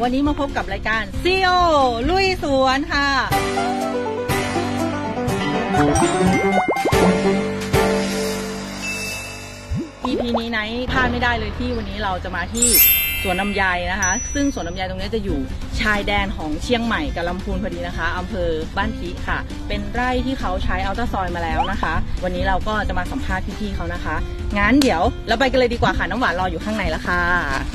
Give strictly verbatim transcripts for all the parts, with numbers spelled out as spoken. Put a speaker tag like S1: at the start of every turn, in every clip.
S1: วันนี้มาพบกับรายการ ซี โอ ลุยสวนค่ะ อี พี นี้ไนท์พลาดไม่ได้เลยที่วันนี้เราจะมาที่สวนลำไยนะคะ ซึ่งสวนลำไยตรงนี้จะอยู่ชายแดนของเชียงใหม่กับลำพูนพอดีนะคะอำเภอบ้านทิค่ะ เป็นไร่ที่เขาใช้อัลตราซอยด์มาแล้วนะคะ วันนี้เราก็จะมาสัมภาษณ์พี่ๆเขานะคะงั้นเดี๋ยวเราไปกันเลยดีกว่าค่ะน้ำหวานรออยู่ข้างในแล้วค่ะ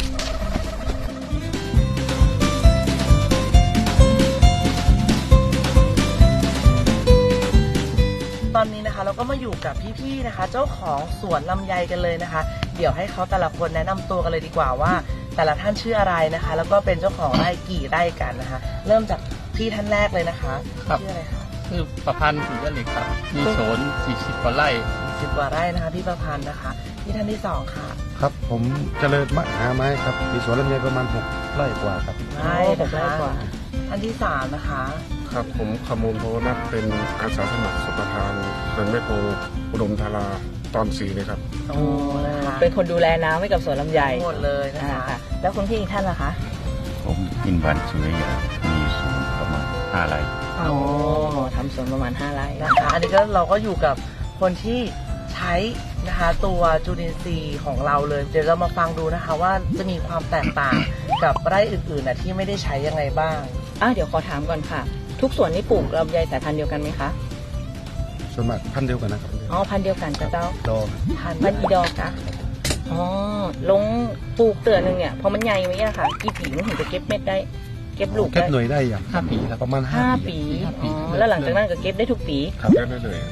S1: ตอนนี้นะคะเราก็มาอยู่กับพี่ๆนะคะเจ้าของสวนลำไยกันเลยนะคะเดี๋ยวให้เขาแต่ละคนแนะนำตัวกันเลยดีกว่าว่าแต่ละท่านชื่ออะไรนะคะแล้วก็เป็นเจ้าของไร่กี่ไร่กันนะคะเริ่มจากพี่ท่านแรกเลยนะคะชื่ออะไรคะ
S2: ชื่อประพันธ์ศรียะเหล็กครับมีสวนสี่สิบกว่าไร่
S1: สิบกว่าไร่นะคะพี่ประพันธ์นะคะพี่ท่านที่สองค่ะ
S3: ครับผมเจริญมหาไม้ครับมีสวนลำไยประมาณหกไร่กว่าครับ
S1: ไร่หกไร่กว่าท่านที่สามนะคะ
S4: ครับผมขมูลโพนัทเป็นอาสาสมัครสมปทานเขื่อนแม่โคงอุดมธาราตอนสี่เลยครับ
S1: โอ้นะคะเป็นคนดูแลน้ำให้กับสวนลำไยหมดเลยนะคะแล้วคุณพี่อีกท่านล่ะคะ
S5: ผมอินวันสุริยามีสวนประมาณห้าไร่
S1: โอ้ทำสวนประมาณห้าไร่นะคะอันนี้ก็เราก็อยู่กับคนที่ใช้นะคะตัวจุลินทรีย์ของเราเลยเดี๋ยวเรามาฟังดูนะคะว่าจะมีความแตกต่างกับไร่อื่นๆนะที่ไม่ได้ใช้ยังไงบ้างอ่ะเดี๋ยวขอถามก่อนค่ะทุกสวนนี่ปลูกลำไยสายพันธุ์เดียวกันไหมคะ
S3: ส่วนมากพันธุ์เดียวกันนะครับ
S1: อ๋อพันธุ์เดียวกันจ้ะเจ้า
S3: ดอก
S1: พันธุ์พันธุ์อีดอกค่ะอ๋อลงปลูกเตือนหนึ่งเนี่ยพอมันใหญ่ไหมอะค่ะกี่ปีถึงจะเก็บเม็ดได้เก็บลูก
S3: เก็บหน่วยได้อย่าง
S2: ห้าปีแล้ว
S3: ประมาณ
S1: ห้าปีอ๋อแล้วหลังจากนั้นก็เก็บได้ทุกปี
S4: ครับเก็บได้เลย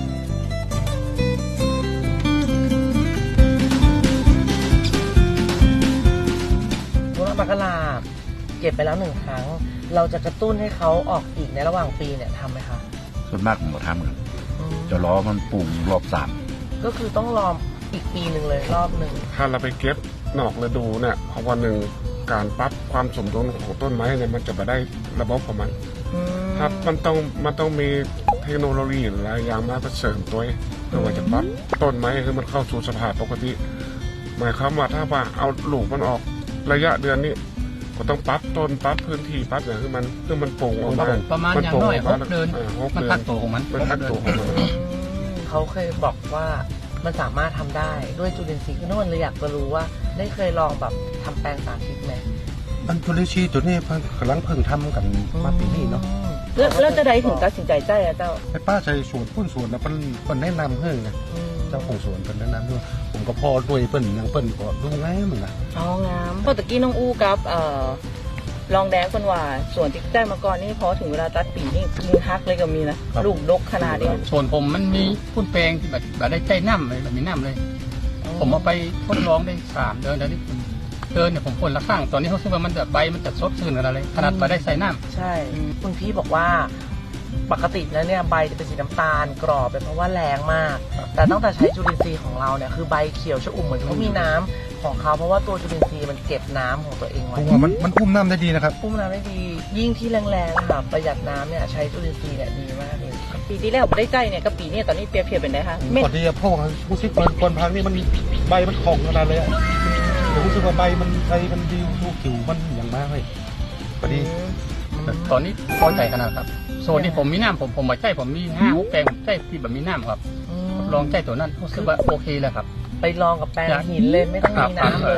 S1: มะกะลาเก็บไปแล้วหนึ่งครั้งเราจะกระตุ้นให้เขาออกอีกในระหว่างปีเนี่ยทำไหมคะ
S5: ส่วนมากผมทำเหมือนจะรอมันปลูกรอบสาม
S1: ก็คือต้องรออีกปีหนึ่งเลยรอบหนึ่ง
S4: ถ้าเราไปเก็บนอกฤดูเนี่ยเพราะวันหนึ่งการปรับความสมดุลของต้นไม้เนี่ยมันจะมาได้ระบบของมันครับมันต้องมันต้องมีเทคโนโลยีหลายอย่างมาเสริมตัวเพื่อว่าจะปรับต้นไม้ให้มันเข้าสู่สภาพปกติหมายความว่าถ้าว่าเอาลูกมันออกระยะเดือนนี้ก็ต้องปรับต้นปรับพื้นที่ปรับอย่างคือมันคือมันโป่งออกมา
S2: ประมาณอย่างน้อยหกเดือนมันพักตัวของมัน
S4: มันพักตัวของมัน
S1: เขาเคยบอกว่ามันสามารถทำได้ด้วยจุลินทรีย์คือนั่นเลยอยากจะรู้ว่าได้เคยลองแบบทำแปลงสาธิตไหม
S3: มันจุลินทรีย์ตัวนี้เพิ่งกำลังเพิ่งทำกันมาปีนี้เนาะ
S1: แล้วจะได้ถึงตัดสินใจใจอะเจ้า
S3: ไอ้ป้าใจสวนพุ่นสวนนะเป็นเป็นแนะนำเพื่อนไงเจ้าของสวนเป็นแนะนำด้วยผมก็พอด้วยเปิ้ลยังเปิ้ลก็ดูง่ายเหมือนกัน
S1: อ๋องามพอตะกี้น้องอู้กับเอ่อลองแดงคนว่าส่วนที่ได้มาก่อนนี่พอถึงเวลาตัดปีนี่มือฮักเลยก็มีนะลูกดกขนาดนี้
S2: ส่วนผมมันมีพุ่นแปลงที่แบบแบบได้ใจน้ำเลยแบบมีน้ำเลยผมเอาไปทดลองได้สามเดือนแล้วนี่เดินเนี่ยผมพ่นละข้างตอนนี้เขาคิดว่ามันแบบใบมันจะซดซื่นอะไรขนาดไปได้ใส่น้
S1: ำใช่คุณพี่บอกว่าปกติแล้วเนี่ยใบจะเป็นสีน้ำตาลกรอบเป็นเพราะว่าแรงมากแต่ตั้งแต่ใช้จุลินทรีย์ของเราเนี่ยคือใบเขียวชอุ่มเหมือนเขามีน้ำของเขาเพราะว่าตัวจุลินทรีย์มันเก็บน้ำของตัวเองไว้
S3: มันมันพุ่มน้ำได้ดีนะครับ
S1: พุ่มน้ำได้ดียิ่งที่แรงๆแบบประหยัดน้ำเนี่ยใช้จุลินทรีย์เนี่ยดีมากเลยปีที่แล้วได้ใจเนี่ยกับปีนี้ตอนนี้เปรียบเทียบเป็นไงคะ
S3: ก่อนที่จะพ่อผู้ชิดคนคนพังนี่มันใบมันของขนาดเลยอ่ะผมรู้สึกว่าใบมันใบมันดีดูผิวมันอย่างมากเลยพอดี
S2: ตอนนี้พอใจขนาดครับโซนที่ผมมีน้ำผมผมมาใจผมมีห้าหกแปลงผมใจที่แบบมีน้ำครับลองใจตัวนั้นรู้สึกว่าโอเคแล้วครับ
S1: ไปลองกับแปลงหินเลยไม่ต้องมีน้ำเลย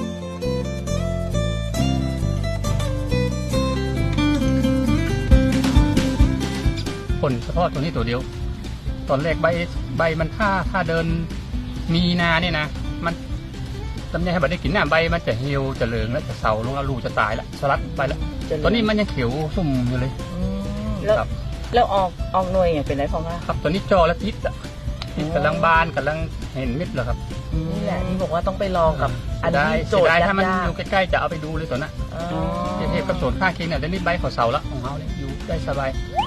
S2: ผลเฉพาะตัวนี้ตัวเดียวตอนแรกใบใบมันถ้าถ้าเดินมีนาเนี่ยนะมันตำแหน่งให้บัดได้กินน้ำใบมันจะเหี่ยวจะเหลืองแล้วจะเสาลงแล้วลูกจะตายแล้วสลัดไปแล้วตอนนี้มันยังเขียวซุ่มอยู่เลย
S1: แล้วแล้วออกออกหน่วยเป็นไรพอง
S2: ครับตอนนี้จอและติดอ่ะติดกำลังบานกำลังเห็นมิดแล้วครับ
S1: นี่แหละที่บอกว่าต้องไปลองกับอันนี้โจทย์
S2: ถ้ามันอยู่ใกล้ๆจะเอาไปดูเลยตัวนั้นเทียบกับโซนข้างเคียงเนี่ยได้นิดใบของเสาแล้วของเขาเนี่ยอยู่ได้สบาย